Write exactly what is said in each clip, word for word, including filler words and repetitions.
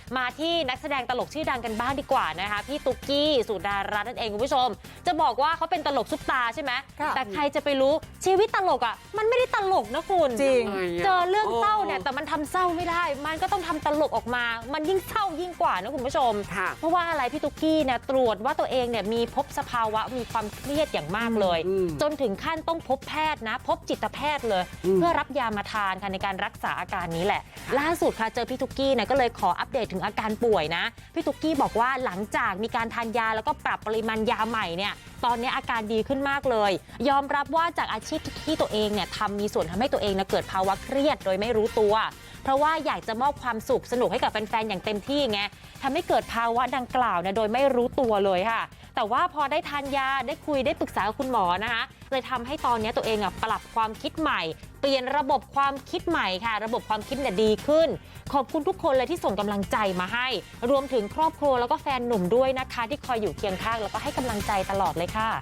มาที่นักแสดงตลกชื่อดังกันบ้างดีกว่านะคะพี่ตุ๊กกี้สุดารัตน์นั่นเองคุณผู้ชมจะบอกว่าเขาเป็นตลกซุปตาใช่ไหมแต่ใครจะไปรู้ชีวิตตลกอ่ะมันไม่ได้ตลกนะคุณจริงเจอเรื่องเศร้าเนี่ยแต่มันทำเศร้าไม่ได้มันก็ต้องทำตลกออกมามันยิ่งเศร้ายิ่งกว่านะคุณผู้ชมเพราะว่าอะไรพี่ตุ๊กกี้เนี่ยตรวจว่าตัวเองเนี่ยมีพบสภาวะมีความเครียดอย่างมากเลยจนถึงขั้นต้องพบแพทย์นะพบจิตแพทย์เลยเพื่อรับยามาทานค่ะในการรักษาอาการนี้แหละล่าสุดค่ะเจอพี่ตุ๊กกี้เนี่ยก็เลยขออัปเดตถึงอาการป่วยนะพี่ตุ๊กกี้บอกว่าหลังจากมีการทานยาแล้วก็ปรับปริมาณยาใหม่เนี่ยตอนนี้อาการดีขึ้นมากเลยยอมรับว่าจากอาชีพที่ตัวเองเนี่ยทำมีส่วนทำให้ตัวเองเกิดภาวะเครียดโดยไม่รู้ตัวเพราะว่าอยากจะมอบความสุขสนุกให้กับแฟนๆอย่างเต็มที่ไงทำให้เกิดภาวะดังกล่าวเนี่ยโดยไม่รู้ตัวเลยค่ะแต่ว่าพอได้ทานยาได้คุยได้ปรึกษากับคุณหมอนะคะเลยทำให้ตอนนี้ตัวเองอ่ะปรับความคิดใหม่เปลี่ยนระบบความคิดใหม่ค่ะระบบความคิดเนี่ยดีขึ้นขอบคุณทุกคนเลยที่ส่งกำลังใจมาให้รวมถึงครอบครัวแล้วก็แฟนหนุ่มด้วยนะคะที่คอยอยู่เคียงข้างแล้วก็ให้กำลังใจตลอดเลยค่ะ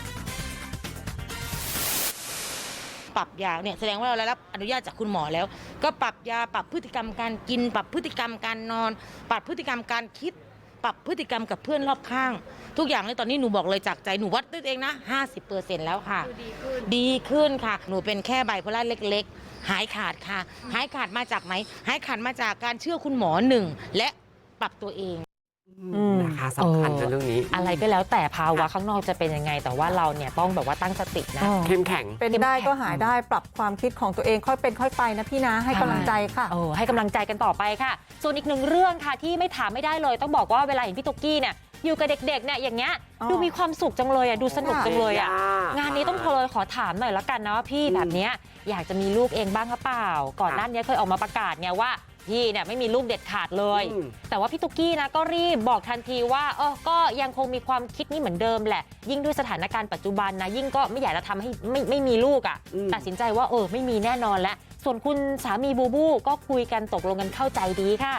ปรับยาเนี่ยแสดงว่าเราได้รับอนุญาตจากคุณหมอแล้วก็ปรับยาปรับพฤติกรรมการกินปรับพฤติกรรมการนอนปรับพฤติกรรมการคิดปรับพฤติกรรมกับเพื่อนรอบข้างทุกอย่างเลยตอนนี้หนูบอกเลยจากใจหนูวัดด้วยเองนะ ห้าสิบเปอร์เซ็นต์ แล้วค่ะดีขึ้นดีขึ้นค่ะหนูเป็นแค่ไบโพล่าเล็กๆหายขาดค่ะหายขาดมาจากไหนหายขาดมาจากการเชื่อคุณหมอหนึ่งและปรับตัวเองนะคะสำคัญในเรื่องนี้อะไรก็แล้วแต่ภาวะข้างนอกจะเป็นยังไงแต่ว่าเราเนี่ยต้องแบบว่าตั้งสตินะเข้มแข็งเป็นได้ก็หายได้ปรับความคิดของตัวเองค่อยเป็นค่อยไปนะพี่นะให้กำลังใจค่ะเออให้กำลังใจกันต่อไปค่ะส่วนอีกหนึ่งเรื่องค่ะที่ไม่ถามไม่ได้เลยต้องบอกว่าเวลาเห็นพี่ตุ๊กกี้เนี่ยอยู่กับเด็กๆเนี่ยอย่างเงี้ยดูมีความสุขจังเลยอ่ะดูสนุกจังเลยอ่ะงานนี้ต้องโทรเลยขอถามหน่อยละกันนะว่าพี่แบบเนี้ยอยากจะมีลูกเองบ้างหรือเปล่าก่อนหน้านี้เคยออกมาประกาศไงว่าพี่เนี่ยไม่มีลูกเด็ดขาดเลยแต่ว่าพี่ตุ๊กกี้นะก็รีบบอกทันทีว่าเออก็ยังคงมีความคิดนี้เหมือนเดิมแหละยิ่งด้วยสถานการณ์ปัจจุบันนะยิ่งก็ไม่อยากจะทำให้ไม่ไม่มีลูกอ่ะตัดสินใจว่าเออไม่มีแน่นอนแล้วส่วนคุณสามีบูบูก็คุยกันตกลงกันเข้าใจดีค่ะ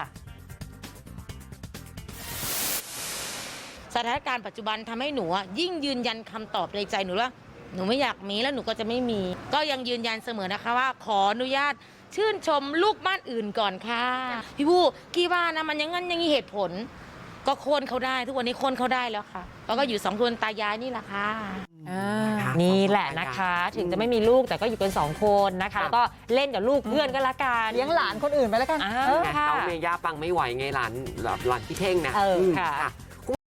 สถานการณ์ปัจจุบันทำให้หนูยิ่งยืนยันคำตอบในใจหนูว่าหนูไม่อยากมีแล้วหนูก็จะไม่มีก็ยังยืนยันเสมอนะคะว่าขออนุญาตชื่นชมลูกบ้านอื่นก่อนค่ะพี่บูกี่ว่านะมันยังงั้นยังมีเหตุผลก็โค่นเขาได้ทุกวันนี้โค่นเขาได้แล้วค่ะแล้วก็อยู่สองคนตายายนี่แหละค่ะนี่แหละนะคะถึงจะไม่มีลูกแต่ก็อยู่กันสองคนนะคะแล้วก็เล่นกับลูกเพื่อนก็ละกันเลี้ยงหลานคนอื่นไปแล้วกันเขาเมย่าปังไม่ไหวไงหลานหลานพี่เท่งนะเออค่ะ